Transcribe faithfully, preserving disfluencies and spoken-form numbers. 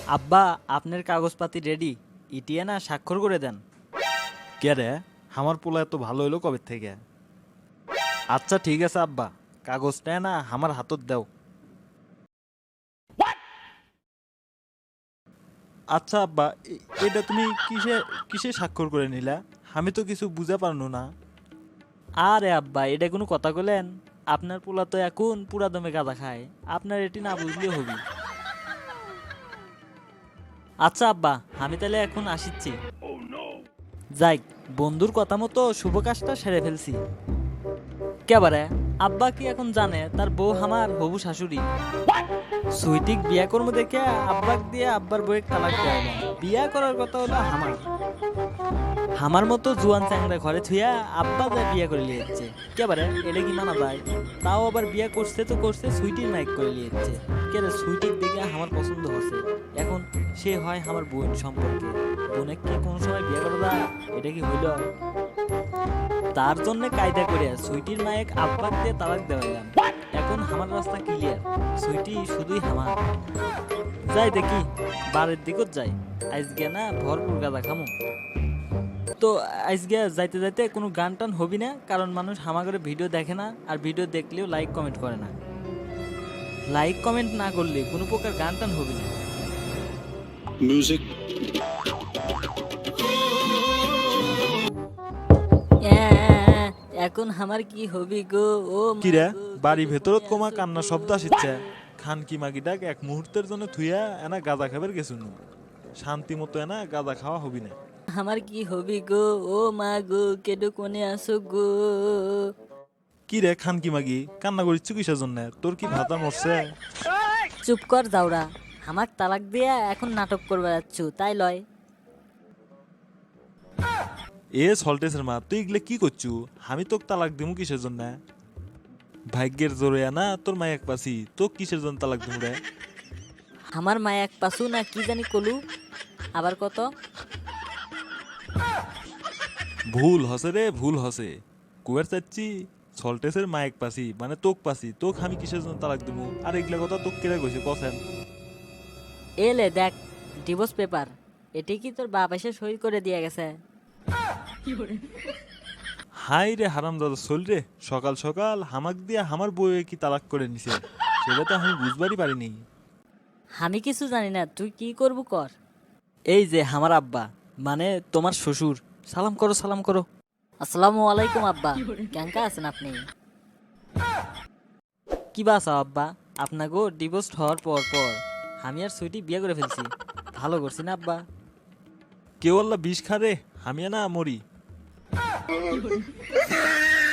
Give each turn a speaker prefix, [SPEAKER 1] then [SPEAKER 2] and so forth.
[SPEAKER 1] আব্বা আপনার কাগজপাতি রেডি, ইটিয়ে না স্বাক্ষর করে দেন।
[SPEAKER 2] কে রে? আমার পোলা এত ভালো হইলো কবে থেকে? আচ্ছা ঠিক আছে আব্বা, কাগজটা না আমার হাতত দাও। আচ্ছা আব্বা, এ- এটা তুমি কিসে কিসে স্বাক্ষর করে নিলা? আমি তো কিছু বুঝা পারনু না।
[SPEAKER 1] আরে আব্বা এটা কোনো কথা কইলেন? আপনার পোলা তো এখন পুরা দমে গাঁজা খায়, আপনার এটি না বুঝলেও হবি। আচ্ছা আব্বা আমি তাহলে এখন আসিচ্ছি। যাই, বন্ধুর কথা মতো শুভ কাজটা সেরে ফেলছি। কেবারে আব্বা কি এখন জানে তার বউ আমার হবু শাশুড়ি? সুইটিক বিয়া করবো দেখে আব্বাক দিয়ে আব্বার বউয়ের তালাক দেওয়া হলো। বিয়া করার কথা হলো আমার আমার মতো জুয়ান চ্যাংরা ঘরে থুইয়া আব্বা যা বিয়া করে লিয়েছে। কেবারে এটা কি মানা যায়? তাও আবার বিয়া করছে তো করছে সুইটির নাইক করে লিয়েছে। কেরে সুইটির দেখে আমার পছন্দ হচ্ছে। এখন সে হয় আমার বোন সম্পর্কে, বোনে কি কোনো সময় বিয়া করা যায়? এটা কি হইল? তার জন্য কায়দা করে সুইটির নায়ক আব্বাক দিয়ে তালাক দেওয়াইলাম। এখন আমার রাস্তা ক্লিয়ার, সুইটি শুধুই আমার। যাই দেখি, বাড়ির দিকত যাই। আজকে না ভরপুর গাঁদা খামো। তো আজকে যাইতে যাইতে কোনো গান টান হবি না, কারণ মানুষ হামা করে ভিডিও দেখে না, আর ভিডিও দেখলেও লাইক কমেন্ট করে না। লাইক কমেন্ট না করলে কোনো প্রকার গান টান হবি না।
[SPEAKER 3] Music.
[SPEAKER 1] এ- এখন আমার কি হবি গো? ও মা
[SPEAKER 2] কি রে,
[SPEAKER 1] গো,
[SPEAKER 2] বাড়ি
[SPEAKER 1] কেডু
[SPEAKER 2] ভেতরত
[SPEAKER 1] কোণে
[SPEAKER 2] কোমা
[SPEAKER 1] আছো
[SPEAKER 2] কান্না
[SPEAKER 1] গো?
[SPEAKER 2] শব্দ আসিচ্ছে। খান কি মাগিটাক এক মুহূর্তের জন্য থুইয়া এনা গাঁজা খাবার গেছুন। শান্তি মতো এনা গাঁজা খাওয়া হবি না।
[SPEAKER 1] আমার কি হবি গো? ও মা গো, কেডু কোণে আসো গো?
[SPEAKER 2] কি রে খান কি মাগি, কান্না করিচ্ছ কিসের জন্য? তোর কি ভাতা মরছে?
[SPEAKER 1] চুপ কর যাওরা, আমাক তালাক দিয়া এখন নাটক করবে যাচ্ছ তাই লয়?
[SPEAKER 2] এ সল্টেসের মা, তুই এগুলো কি করছু? আমি তোকে তালাক দিমু কিসের জন্য? ভাগ্যের জোরে না তোর মায়ের পাশি, তো কিসের জন্য তালাক দিমু রে?
[SPEAKER 1] আমার মা এক পাশু না কি জানি কলু, আবার কত?
[SPEAKER 2] ভুল হসে রে, ভুল হসে। কুয়ার চাচ্ছি সল্টেসের মায়ের পাশি মানে তোক পাশি, তোক আমি কিসের জন্য তালাক দিমু? আর এগুলা কথা তোক কেরা কইছে কছেন?
[SPEAKER 1] এলে দেখ ডিভোর্স পেপার, এটি কি তোর বাপ এসে সই করে দিয়ে গেছে?
[SPEAKER 2] হাই রে হারাম দাদা চল রে, সকাল সকাল হামাক দিয়া আমার বউয়ে কি তালাক করে নিছে, সেটা তো আমি বুঝবারই পারিনি।
[SPEAKER 1] আমি কিছু জানি না, তুই কি করবো কর। এই যে আমার আব্বা, মানে তোমার শ্বশুর। সালাম করো, সালাম করো। আসসালামু আলাইকুম আব্বা, কেঙ্কা আছেন আপনি? কি বাসা আব্বা, আপনাকে ডিভোর্স হওয়ার পর পর আমি আর সুইটি বিয়ে করে ফেলছি। ভালো করছি না আব্বা?
[SPEAKER 2] কেউ আল্লাহ বিষ খা রে, আমি না মরি।